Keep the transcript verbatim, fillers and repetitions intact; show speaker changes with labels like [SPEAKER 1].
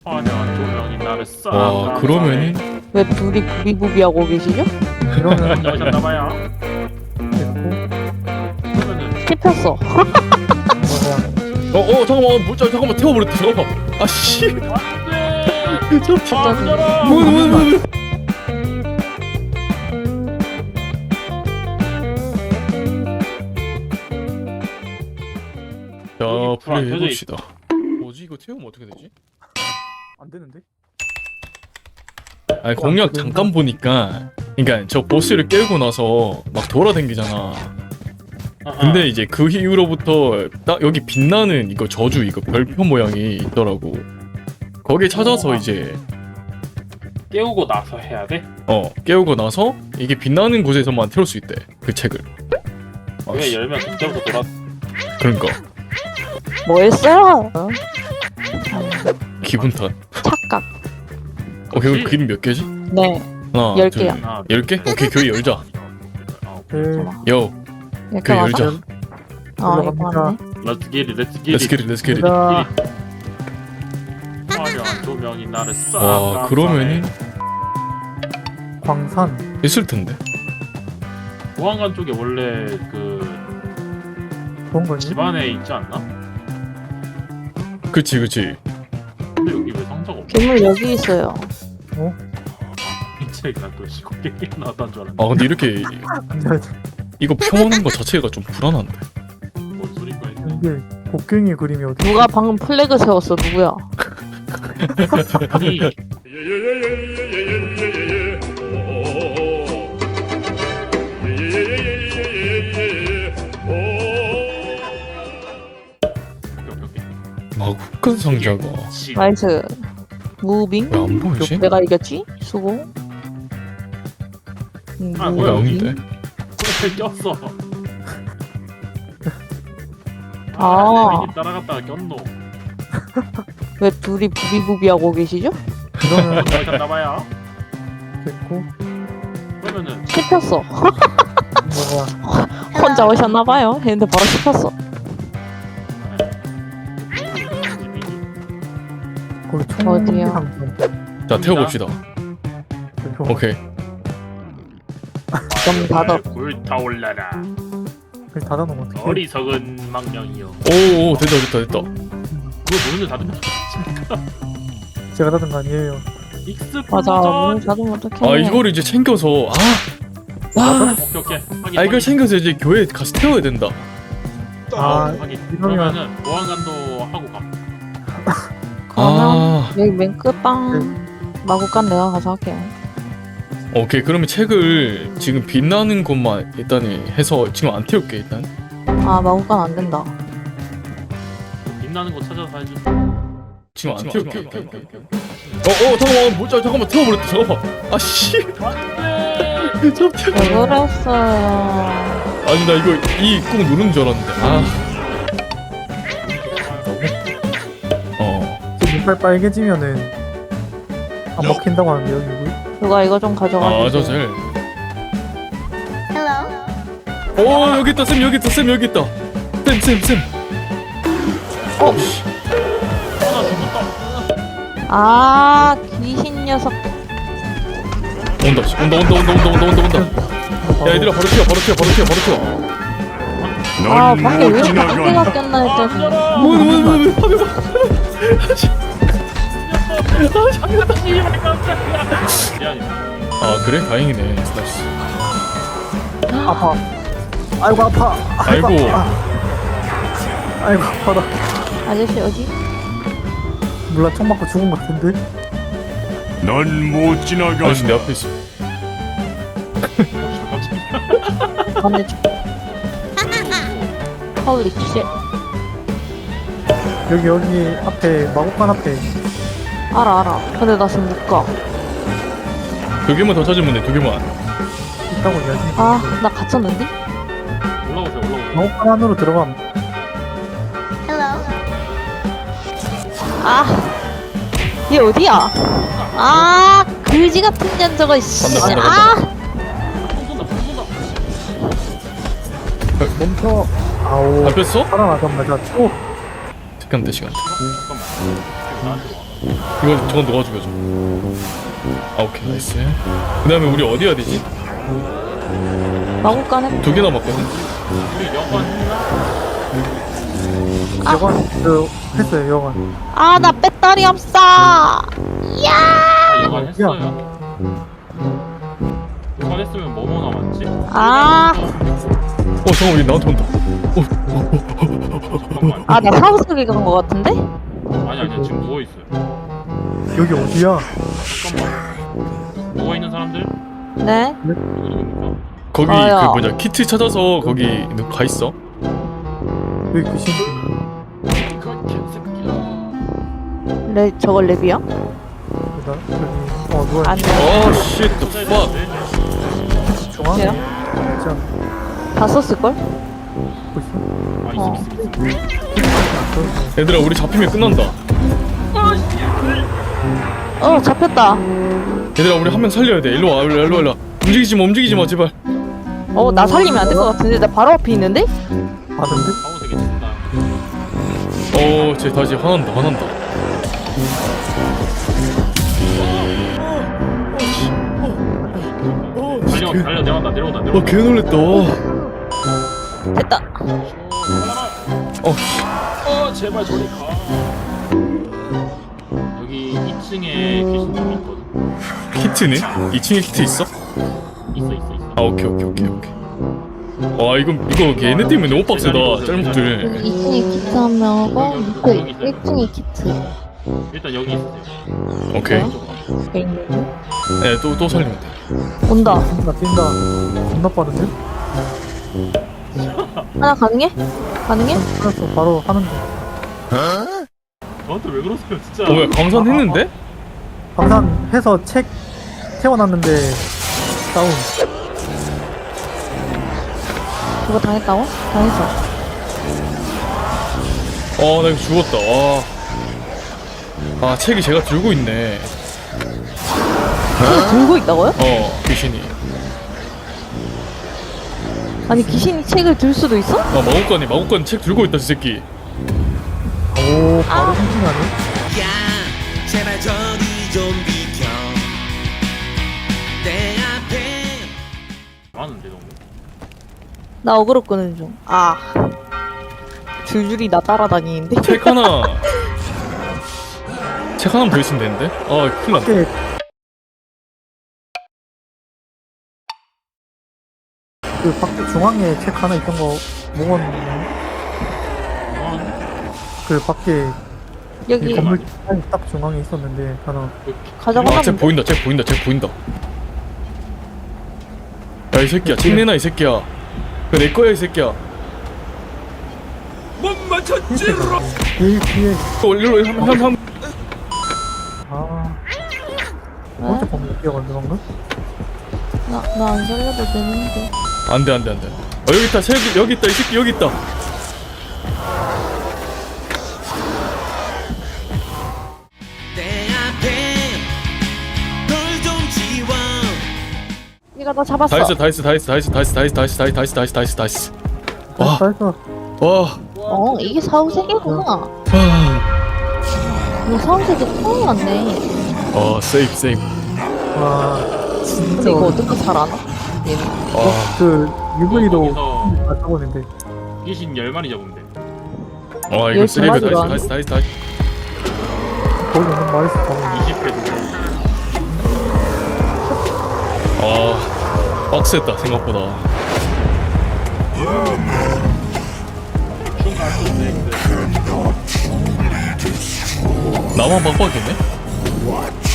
[SPEAKER 1] 화려한 조명이 나를 싹
[SPEAKER 2] 와 그러면은
[SPEAKER 3] 왜 둘이 부비부비하고 계시죠?
[SPEAKER 4] 그러면
[SPEAKER 1] 나오셨나봐요.
[SPEAKER 4] 됐고
[SPEAKER 1] 그러면은
[SPEAKER 3] 씹혔어.
[SPEAKER 4] 뭐야
[SPEAKER 2] 어어 잠깐만 뭐, 자, 잠깐만 태워버렸다 잠깐만 아씨
[SPEAKER 1] 안돼.
[SPEAKER 2] 저
[SPEAKER 1] 안져라.
[SPEAKER 2] 뭐, 뭐, 뭐, 뭐. 자
[SPEAKER 1] 여기 불안
[SPEAKER 2] 플레이
[SPEAKER 1] 켜져
[SPEAKER 2] 해봅시다 뭐지 이거 태우면 어떻게 되지?
[SPEAKER 4] 안 되는데?
[SPEAKER 2] 아니 공략 잠깐 보니까 그니까 저 보스를 깨우고 나서 막 돌아다니잖아 근데 이제 그 이후로부터 딱 여기 빛나는 이거 저주 이거 별표 모양이 있더라고 거기 찾아서 이제
[SPEAKER 1] 깨우고 나서 해야 돼?
[SPEAKER 2] 어 깨우고 나서 이게 빛나는 곳에서만 태울 수 있대 그 책을 아,
[SPEAKER 1] 왜
[SPEAKER 2] 씨,
[SPEAKER 1] 열면 그때부터 돌아.
[SPEAKER 2] 그러니까
[SPEAKER 3] 뭐 했어요?
[SPEAKER 2] 기분 탓
[SPEAKER 3] 착각.
[SPEAKER 2] 오케이 그럼 그림 몇 개지?
[SPEAKER 3] 네.
[SPEAKER 2] 하나
[SPEAKER 3] 열
[SPEAKER 2] 둘,
[SPEAKER 3] 개요.
[SPEAKER 1] 아,
[SPEAKER 2] 열 개? 오케이 교회 열자
[SPEAKER 4] 네
[SPEAKER 2] 요
[SPEAKER 3] 이렇게
[SPEAKER 2] 교회
[SPEAKER 3] 맞아?
[SPEAKER 2] 열자
[SPEAKER 3] 아 이거
[SPEAKER 4] 올라갑니다.
[SPEAKER 3] 맞네.
[SPEAKER 1] Let's get it, let's get
[SPEAKER 2] Let's
[SPEAKER 1] it.
[SPEAKER 2] get it let's get it
[SPEAKER 4] 자
[SPEAKER 1] 화려한 조명이 나를 싹
[SPEAKER 2] 와 그러면은
[SPEAKER 4] 광산
[SPEAKER 2] 있을 텐데
[SPEAKER 1] 보안관 쪽에 원래 그
[SPEAKER 4] 그런 거니?
[SPEAKER 1] 집안에 있지 않나?
[SPEAKER 2] 그치 그치
[SPEAKER 1] 근데 여기 왜 상자가 없어?
[SPEAKER 3] 괴물 여기 있어요.
[SPEAKER 1] 진짜 난또 시골 게임 나왔단 줄 알았네.
[SPEAKER 2] 아 근데 이렇게
[SPEAKER 4] 안돼
[SPEAKER 2] 이거 펴놓는 거 자체가 좀 불안한데
[SPEAKER 1] 뭔 소린가 했네.
[SPEAKER 4] 이게 곡괭이 그림이 어디
[SPEAKER 3] 누가 방금 플래그 세웠어? 누구야?
[SPEAKER 1] 아니
[SPEAKER 2] 막 흑간 상자가
[SPEAKER 3] 나이스. 무빙?
[SPEAKER 2] 왜 안 보이지?
[SPEAKER 3] 내가 이겼지? 수고. 음,
[SPEAKER 1] 아,
[SPEAKER 2] 왜
[SPEAKER 1] 뭐야,
[SPEAKER 3] 무빙.
[SPEAKER 2] 아닌데?
[SPEAKER 1] 왜 꼈어?
[SPEAKER 3] 아.
[SPEAKER 1] 괜히 따라갔다가 꼈노.
[SPEAKER 3] 왜 둘이 부비부비하고 계시죠?
[SPEAKER 4] 그러면
[SPEAKER 1] 나오셨나봐요.
[SPEAKER 4] 됐고
[SPEAKER 1] 그러면은
[SPEAKER 3] 씹혔어.
[SPEAKER 4] 뭐야
[SPEAKER 3] 혼자 오셨나봐요. 했는데 바로 씹혔어.
[SPEAKER 4] 거기 총
[SPEAKER 3] 어디요?
[SPEAKER 4] 상점.
[SPEAKER 2] 자 태워봅시다 오케이
[SPEAKER 3] 좀 닫아.
[SPEAKER 1] 불타올라라.
[SPEAKER 4] 그걸 닫아놓으면 어떡해
[SPEAKER 1] 어리석은 망령이여.
[SPEAKER 2] 오오 됐다 됐다 됐다
[SPEAKER 1] 그거 문을 닫으면
[SPEAKER 4] 제가 닫은 거 아니에요
[SPEAKER 1] 익스플로전.
[SPEAKER 3] 맞아. 문을 닫으면 어떡해.
[SPEAKER 2] 아 이거를 이제 챙겨서 아, 아,
[SPEAKER 1] 오케이 오케이. 확인,
[SPEAKER 2] 아 이걸
[SPEAKER 1] 확인.
[SPEAKER 2] 챙겨서 이제 교회에 가서 태워야 된다
[SPEAKER 1] 아,
[SPEAKER 4] 아,
[SPEAKER 1] 확인.
[SPEAKER 4] 이러면-
[SPEAKER 1] 그러면은 보안관도 하고 가.
[SPEAKER 2] 아
[SPEAKER 3] 여기 맨 끝방 마구간 내가 가서 할게요.
[SPEAKER 2] 오케이 그러면 책을 지금 빛나는 곳만 일단 해서 지금 안 태울게 일단
[SPEAKER 3] 아 마구간 안 된다.
[SPEAKER 1] 빛나는 곳 찾아서 하지.
[SPEAKER 2] 지금 안 태울게 어어 잠깐만 뭐, 자, 잠깐만 태워버렸다 잠깐만 아씨
[SPEAKER 1] 안돼.
[SPEAKER 2] 좀 태워
[SPEAKER 3] 왜 그랬어요?
[SPEAKER 2] 아니 나 이거 이 꾹 누르는 줄 알았는데 아 어.
[SPEAKER 4] 지금 이빨 빨개지면은 안 먹힌다고 하는데요 이거
[SPEAKER 3] 누가 이거 좀 가져가
[SPEAKER 2] 아,
[SPEAKER 3] 주세요.
[SPEAKER 2] 저 젤. 오, 여기 있다, 쌤, 여기 있다, 쌤, 여기 있다. 쌤, 쌤, 쌤. 어, 씨.
[SPEAKER 1] 하나 죽었다.
[SPEAKER 3] 아 귀신 녀석.
[SPEAKER 2] 온다, 씨. 온다, 온다, 온다, 온다, 온다, 온다, 온다. 야, 얘들아, 바로 튀어, 바로 튀어, 바로 튀어, 바로 튀어.
[SPEAKER 3] 아 밖에 왜 이렇게 한개가 꼈나 했더니.
[SPEAKER 2] 뭐, 뭐, 뭐, 뭐, 화면 봐.
[SPEAKER 1] 미안해.
[SPEAKER 2] 아, 그래? 다행이네, 스타스.
[SPEAKER 4] 아파 아이고 아파
[SPEAKER 2] 아이고.
[SPEAKER 4] 아파. 아이고 아파라
[SPEAKER 3] 아저씨 어디?
[SPEAKER 4] 몰라 총 맞고 죽은 것 같은데
[SPEAKER 5] 넌 못 지나가.
[SPEAKER 2] 아저씨 내 앞에 있어.
[SPEAKER 3] 반대쪽. 홀리 쉣.
[SPEAKER 4] 여기 여기 앞에 마곡관 앞에
[SPEAKER 3] 알아 알아. 근데 나 지금 못 가.
[SPEAKER 2] 두 개만 더 찾으면 돼, 두 개만.
[SPEAKER 4] 있다고 이야기
[SPEAKER 3] 아 나 갇혔는데?
[SPEAKER 1] 올라오세요 올라오세요.
[SPEAKER 4] 마곡관 안으로 들어가면
[SPEAKER 3] 아, 얘 어디야? 아, 그지 같은 년 저거. 씨.
[SPEAKER 2] 간다, 간다,
[SPEAKER 3] 아,
[SPEAKER 1] 손 쏜다 손 쏜다.
[SPEAKER 4] 멈춰 아오
[SPEAKER 2] 잡혔어?
[SPEAKER 4] 살아나자마자 또
[SPEAKER 2] 시간 돼, 시간.
[SPEAKER 1] 잠깐만. 나한테 와.
[SPEAKER 2] 이거 저건 너가 죽여줘. 아 오케이 나이스. 그 다음에 우리 어디 해야 되지?
[SPEAKER 3] 마구간 해.
[SPEAKER 2] 두 개 남았거든.
[SPEAKER 1] 우리 여관 했나?
[SPEAKER 4] 여관 그 했어요 여관.
[SPEAKER 3] 아, 나 배터리 없어.
[SPEAKER 1] 아,
[SPEAKER 3] 야.
[SPEAKER 1] 여관 했어요. 여관 했으면 뭐뭐 남았지?
[SPEAKER 3] 아.
[SPEAKER 2] 어 잠깐 왜 나한테 온다.
[SPEAKER 1] 잠깐만.
[SPEAKER 3] 아, 나 사후 세계 간거 같은데?
[SPEAKER 1] 아니 아니야 지금 누워 있어요.
[SPEAKER 4] 여기 어디야?
[SPEAKER 1] 잠깐만. 누워 있는 사람들
[SPEAKER 3] 네.
[SPEAKER 1] 누구 누구입니까?
[SPEAKER 2] 거기
[SPEAKER 3] 저요.
[SPEAKER 2] 그 뭐냐 키트 찾아서 거기 너 가 있어.
[SPEAKER 4] 여기 귀신.
[SPEAKER 1] 그 개새끼야.
[SPEAKER 3] 레 저걸 랩이야?
[SPEAKER 4] 여기다 여기 어 누가
[SPEAKER 3] 안 돼.
[SPEAKER 2] 어 쉣. the fuck.
[SPEAKER 4] 중앙에
[SPEAKER 3] 돼요?
[SPEAKER 4] 있지 않나?
[SPEAKER 3] 다 썼을 걸?
[SPEAKER 4] 보고 있어.
[SPEAKER 1] 아
[SPEAKER 3] 어.
[SPEAKER 1] 있어 있어 있어.
[SPEAKER 2] 얘들아 우리 잡히면 끝난다.
[SPEAKER 3] 어, 잡혔다.
[SPEAKER 2] 얘들아 우리 한 명 살려야 돼. 일로 와 일로 와 일로 와, 일로 와. 움직이지 마 움직이지 마 제발.
[SPEAKER 3] 어, 나 살리면 안 될 것 같은데. 나 바로 앞에 있는데?
[SPEAKER 4] 아는데?
[SPEAKER 1] 아우 되게 친다.
[SPEAKER 2] 어쟤 다시 화난다 화난다.
[SPEAKER 1] 달려 달려 내려간다 내려온다
[SPEAKER 2] 어
[SPEAKER 1] 내려온다.
[SPEAKER 2] 개놀랬다.
[SPEAKER 3] 됐다.
[SPEAKER 2] 어
[SPEAKER 1] 어 제발 저리 가. 여기 이 층에 귀신 좀 있거든.
[SPEAKER 2] 키트네? 이 층에 키트 있어?
[SPEAKER 1] 있어 있어 있어.
[SPEAKER 2] 아 오케이 오케이 오케이 오케이. 와 이거 이거 얘네 때문에 너무 빡세다 짤목들.
[SPEAKER 3] 이 층에 키트 한 명하고 밑에 일 층에 키트.
[SPEAKER 1] 일단 여기 있으세요.
[SPEAKER 2] 오케이.
[SPEAKER 3] 돼 있는데?
[SPEAKER 2] 네또 또 살리면 돼.
[SPEAKER 3] 온다.
[SPEAKER 4] 뛴다 뛴다. 겁나 빠른데?
[SPEAKER 3] 하나 가능해? 가능해?
[SPEAKER 4] 알았어 바로 하는 거.
[SPEAKER 1] 저한테 왜 그러세요 진짜.
[SPEAKER 2] 어 뭐야 광산했는데?
[SPEAKER 4] 방산해서 책 태워놨는데 다운.
[SPEAKER 3] 그거 당했다고? 당했어.
[SPEAKER 2] 아 나 이거 죽었다. 와. 아 책이 제가 들고 있네.
[SPEAKER 3] 그거 들고 있다고요?
[SPEAKER 2] 어 귀신이.
[SPEAKER 3] 아니, 귀신이 책을 들 수도 있어?
[SPEAKER 2] 아 마법관이 마법관 책 들고 있다 이 새끼.
[SPEAKER 4] 오 바로 싱싱하네.
[SPEAKER 6] 야 제발 저리 좀 비켜 내 앞에
[SPEAKER 1] 많은데 너무.
[SPEAKER 3] 나 어그로 끄는 중. 아. 줄줄이 나 따라다니는데?
[SPEAKER 2] 책 하나. 책 하나만 더 있으면 되는데? 아 큰일 났다.
[SPEAKER 4] 밖에 그 밖에 중앙에 책 하나 있던 거 먹었는데 그 밖에 이
[SPEAKER 3] 여기
[SPEAKER 4] 건물 딱 중앙에 있었는데 하나.
[SPEAKER 3] 가져가나
[SPEAKER 2] 아 책
[SPEAKER 3] 본데?
[SPEAKER 2] 보인다 책 보인다 책 보인다. 야 이 새끼야 책 내놔 이 새끼야. 그거 내 거야 이 새끼야.
[SPEAKER 4] 뒤에 뒤에
[SPEAKER 2] 어 일로 한한한
[SPEAKER 4] 아
[SPEAKER 3] 왜?
[SPEAKER 4] 혼자 건물 뛰어간다 방금?
[SPEAKER 3] 나, 나 안 살려도 되는데.
[SPEAKER 2] 안돼 안돼 안돼. 어 여기 있다 책 여기 있다 이 새끼 여기 있다.
[SPEAKER 6] 내 앞에 돌 좀 지워
[SPEAKER 3] 니가 나 잡았어.
[SPEAKER 2] 다 했어 다 했어 다 했어 다 했어 다 했어 다 했어 다 했어 다 했어 다 했어 다 했어 다 했어 다 했어. 와.
[SPEAKER 4] 살짝
[SPEAKER 2] 와.
[SPEAKER 3] 어, 이게 사후세계구나.
[SPEAKER 2] 아.
[SPEAKER 3] 너 사후세계 처음 왔네.
[SPEAKER 2] 어 세이프 세이프.
[SPEAKER 4] 와 진짜
[SPEAKER 3] 근데 이거
[SPEAKER 4] 어려-
[SPEAKER 3] 어떻게 살아나? 얘는.
[SPEAKER 2] 아.
[SPEAKER 4] 그 유브이도
[SPEAKER 1] 거기서
[SPEAKER 4] 안 타보는데
[SPEAKER 1] 귀신 열 마리 잡으면 돼.
[SPEAKER 2] 어 이거
[SPEAKER 3] 열
[SPEAKER 2] 세이프 다
[SPEAKER 3] 마리로
[SPEAKER 2] 했어 다 했어 다 했어 다 했어.
[SPEAKER 4] 거기 있는 말에서 잡으면
[SPEAKER 1] 이십 회 정도.
[SPEAKER 2] 아 빡셌다 생각보다. 나만 빡빡이네?